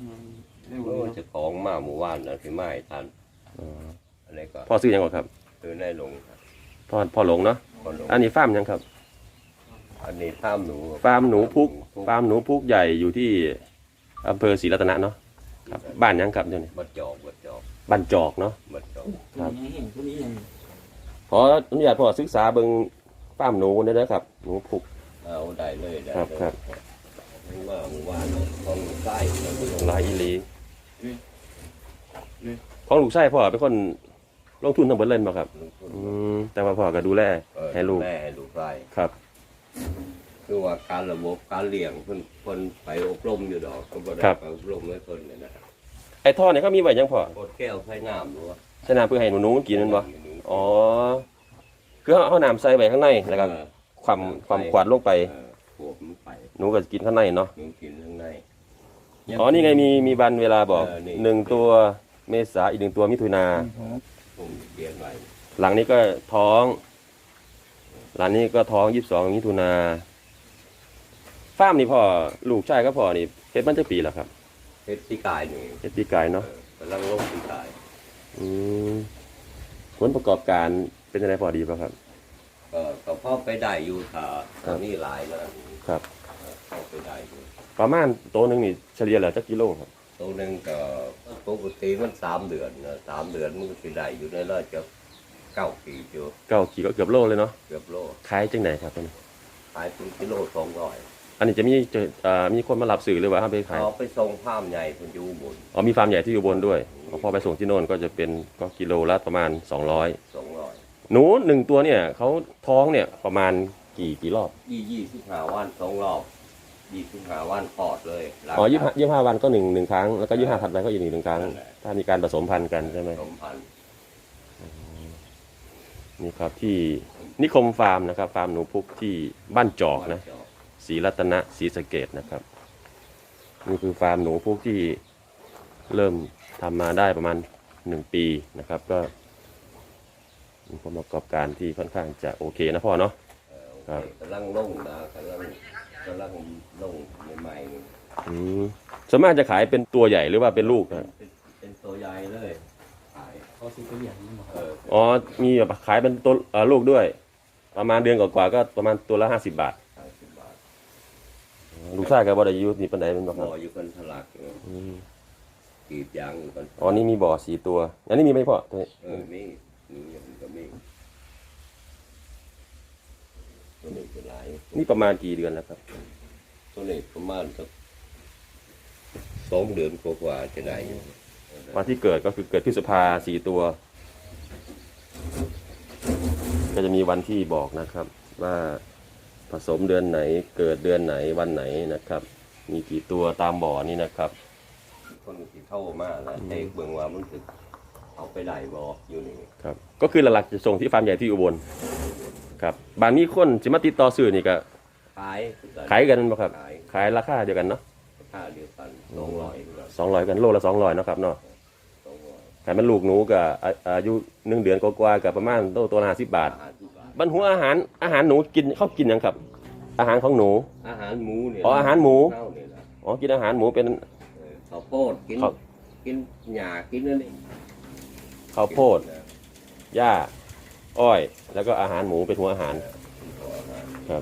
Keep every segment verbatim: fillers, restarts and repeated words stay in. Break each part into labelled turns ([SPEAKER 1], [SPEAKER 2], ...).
[SPEAKER 1] โอ้จะของมาหมู่บ้านนะที่ไม่ทันอะไรก็
[SPEAKER 2] พ่อซื้อยังก่อนครับ
[SPEAKER 1] ซื้อได้ลง
[SPEAKER 2] พ่อพ่อหลงเนาะอันนี้ฟาร์มยังครับ
[SPEAKER 1] อันนี้ฟาร์มหนู
[SPEAKER 2] ฟาร์มหนูพุกฟาร์มหนูพุกใหญ่อยู่ที่อำเภอศรีรัตนะเนาะครับบ้านยังครับเดี๋ยวนี้
[SPEAKER 1] บ้านจอกบ้านจอก
[SPEAKER 2] บ้านจอกเนาะ
[SPEAKER 1] บ้านจอก
[SPEAKER 2] ครับพออนุญาตพ่อศึกษาเบิ่งฟาร์มหนูได้เลยครับหนูพุก
[SPEAKER 1] เอาได้เลยได้
[SPEAKER 2] ครับครับ
[SPEAKER 1] ว่าหมู่บ้านของลูกไส้
[SPEAKER 2] ลายอีลีของลูกไส้พ่อเป็นคนลงทุนทั้งหมดเลยมาครับอืมแต่ว่าพ่อก็ดูแลให้ลูก
[SPEAKER 1] แลให้ลูกไส้
[SPEAKER 2] ครับ
[SPEAKER 1] คือว่าการระบบการเลี้ยงเพิ่นเพิ่นไปอบรมอยู่ดอกก็บ่ได้ไปอบรมให้เพิ่นเนี่ยนะ
[SPEAKER 2] ไอ้ท่อเนี่ยเขามีไว้ยังพ่อ
[SPEAKER 1] โคตรแก้วใส่น้ำหรือว่า
[SPEAKER 2] ใส่น้ำเพื่อให้หนูๆมันกินนั่นบ่อ๋อคือเขาเอาน้ำใส่ไว้ข้างในแล้วก็ความความขวดลงไปหนูก็กินข้างในเนาะ
[SPEAKER 1] หนูกินข้างใน
[SPEAKER 2] อ๋อนี่ไงมีมีวันเวลาบอกหนึ่งตัวเมษาอีกหนึ่งตัวมิถุนาหลังนี้ก็ท้องหลังนี้ก็ท้องยี่สิบสองมิถุนาฟาร์มนี่พ่อลูกชายก็พ่อนี่เพชรมันจะปีแล้วครับ
[SPEAKER 1] เพชรปีกายนี่
[SPEAKER 2] เพชรปีกายเนาะ
[SPEAKER 1] กำลังลงปีกาย
[SPEAKER 2] อืมผลประกอบการเป็นยังไงพอดีป่ะครับ
[SPEAKER 1] ก็ก็พ่อไปได้อยู่ค่ะตอนนี้หลายแล้ว
[SPEAKER 2] ครับ
[SPEAKER 1] พ่อไปได้อยู่
[SPEAKER 2] ประมาณตัวหนึ่งนี่เฉลี่ยแล้วจักกิโลครับ
[SPEAKER 1] ตัวหนึ่งก็ปกติมันสามเดือนนะสามเดือนมันก็สิได้อยู่ในร้อยจะเก้าขีดอยู่
[SPEAKER 2] เก้าขีดก็เกือบโลเลยเนาะ
[SPEAKER 1] เกือบโล
[SPEAKER 2] ขายจังไหนครับตัวนี้
[SPEAKER 1] ขายเป็นกิโลสองร้อย
[SPEAKER 2] อันนี้จะมีจะอ่ามีคนมารับสื่อหรือว่าไปขาย
[SPEAKER 1] เอาไปส่งฟาร์มใหญ่คนอยู่บน
[SPEAKER 2] อ๋อมีฟาร์มใหญ่ที่อยู่บนด้วยพอไปส่งที่โน่นก็จะเป็นก็กิโลละประมาณสองร้อย
[SPEAKER 1] สองร้อย
[SPEAKER 2] หนูหนึ่งตัวเนี่ยเขาท้องเนี่ยประมาณกี่กี่รอบ
[SPEAKER 1] ยี่ยี่สิบห้าวันสองรอบยี่สิบห้าวันปอดเลย
[SPEAKER 2] อ๋อยี่ห้ายี่ห้าวันก็หนึ่งหนึ่งครั้งแล้วก็ยี่ห้าถัดไปก็อีกหนึ่งหนึ่งครั้งถ้ามีการผสมพันธุ์กันใช่ไหมผสมพันธุ์นี่ครับที่นิคมฟาร์มนะครับฟาร์มหนูพุกที่บ้านจอกนะศรีรัตนะศรีสะเกษนะครับนี่คือฟาร์มหนูพุกที่เริ่มทำมาได้ประมาณหนึ่งปีนะครับก็มีผลประกอบการที่ค่อนข้างจะโอเคนะพ่อเนาะ
[SPEAKER 1] ครับกำลังลงนะกำลังกำลังลงใหม่ๆ
[SPEAKER 2] อืมส่วนมากจะขายเป็นตัวใหญ่หรือว่าเป็นลูกนะ
[SPEAKER 1] เป็นตัวใหญ่เลยขายเขาซื้อตัวใหญ่
[SPEAKER 2] อ๋อมีแบบขายเป็นตัวลูกด้วยประมาณเดือนกว่าๆก็ประมาณตัวละห้าสิบบาทลูกชายกับบ่ได้อยู่นี่ปานใดเป็นบ่ครับ
[SPEAKER 1] บ่อยู่กันทลักกีบยางอยู่กัน
[SPEAKER 2] อ๋อนี่มีบ่อสี่ตัวอันนี้มีไหมพ่อตัวนี้
[SPEAKER 1] เออมีมีมันก็มีตัวนี้เป็นหลาย
[SPEAKER 2] นี่ประมาณกี่เดือนแล้วครับ
[SPEAKER 1] ตัวนี้ประมาณสักสองเดือนกว่าๆจะได้อยู่
[SPEAKER 2] วันที่เกิดก็คือเกิดพฤษภาสี่ตัวก็จะมีวันที่บอกนะครับว่าผสมเดือนไหนเกิดเดือนไหนวันไหนนะครับมีกี่ตัวตามบ่อนี่นะครับ
[SPEAKER 1] คนที่เข้ามาแล้วเอกเบื้องว่ามันถึงเอาไปได้บ่ออยู่นี่
[SPEAKER 2] ครับก็คือหลักๆจะส่งที่ฟาร์มใหญ่ที่อุบลครับบางมีคนจะมาติดต่อซื้อนี่ก็
[SPEAKER 1] ขาย
[SPEAKER 2] ขายกันบ่ครับขายราคาเดียวกันเนาะ
[SPEAKER 1] ราคาเดียวกันสองร้อย
[SPEAKER 2] สองร้อยกันโลละสองร้อยนะครับเนาะขายมันลูกหนูกับอายุหนึ่งเดือนกว่าๆกับประมาณโตตัวละห้าสิบบาทบรรหัวอาหารอาหารหนูกินเขากินยังครับอาหารของหนู
[SPEAKER 1] อาหารหมูเนี่ย
[SPEAKER 2] อ๋ออาหารหมูอ๋อกินอาหารหมูเป็น
[SPEAKER 1] ข้าวโพดกินกินหญ้ากินนั่นเอง
[SPEAKER 2] ข้าวโพดหญ้าอ้อยแล้วก็อาหารหมูเป็นหัวอาหารครับ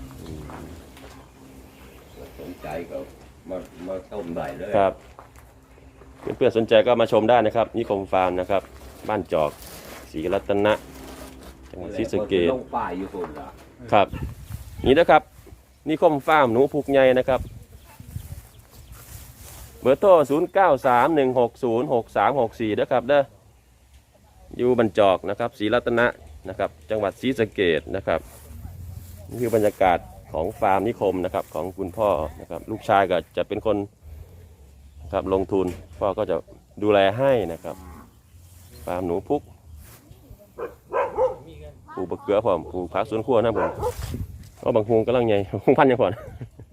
[SPEAKER 1] สนใจก็มามาชมได้เลย
[SPEAKER 2] ครับเพื่อนๆสนใจก็มาชมได้นะครับนิคมฟาร์มนะครับบ้านจอกศรีรัตนะจังหวัดศรีสะเกษครับนี่นะครับนิคมฟาร์มหนูพุกใหญ่นะครับเบอร์โทรศูนย์ เก้า สาม หนึ่ง หก ศูนย์ หก สาม หก สี่นะครับเด้ออยู่บ้านจอกนะครับศรีรัตนะนะครับจังหวัดศรีสะเกษนะครับนี่คือบรรยากาศของฟาร์มนิคมนะครับของคุณพ่อนะครับลูกชายก็จะเป็นคนครับลงทุนพ่อก็จะดูแลให้นะครับฟาร์มหนูพุกปลูกบะเขือผมปลูกผักสวนครัวนะผมก็บางฮวงกำลังใหญ่ฮวงพันยังก่อน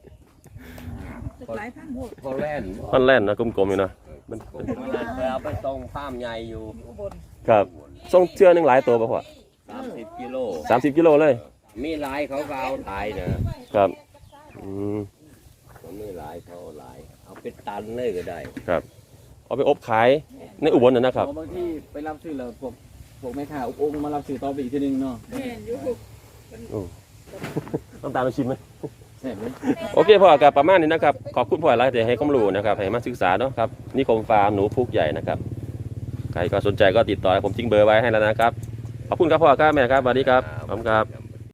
[SPEAKER 1] พันแล่น
[SPEAKER 2] พันแล่นนะกลมๆอยู่นะ
[SPEAKER 1] มันเอาไปส่งฟาร์มใหญ่อยู่
[SPEAKER 2] ครับส่งเชือหนึ่งหลายตัวป่ะพ่อ
[SPEAKER 1] สามสิบกิโล
[SPEAKER 2] สามสิบกิโลเลย
[SPEAKER 1] มีหลายเขาก็เอาหลายนะครับ
[SPEAKER 2] อืม
[SPEAKER 1] มีหลายเขาหลายเอาเป็นตันเลยก็ได้
[SPEAKER 2] ครับเอาไปอบขายในอุบลน่ะนะครับ
[SPEAKER 3] บางทีไปรับซื้อแล้วพวกพวกแม่ค้าอุปองค์มารับซื้อต่อไปอีกทีนึงเนาะ
[SPEAKER 4] แม่นอยู่
[SPEAKER 2] ต้องตามมาชิมไหม
[SPEAKER 3] แซ่บเลย
[SPEAKER 2] โอเคพ่อกับประมาณนี้นะครับขอบคุณพ่อหลายที่ให้ความรู้นะครับให้มาศึกษาเนาะครับนิคมฟาร์มหนูพุกใหญ่นะครับใครก็สนใจก็ติดต่อให้ผมทิ้งเบอร์ไว้ให้แล้วนะครับขอบคุณครับพ่อครับแม่ครับสวัสดีครับขอบคุณครับ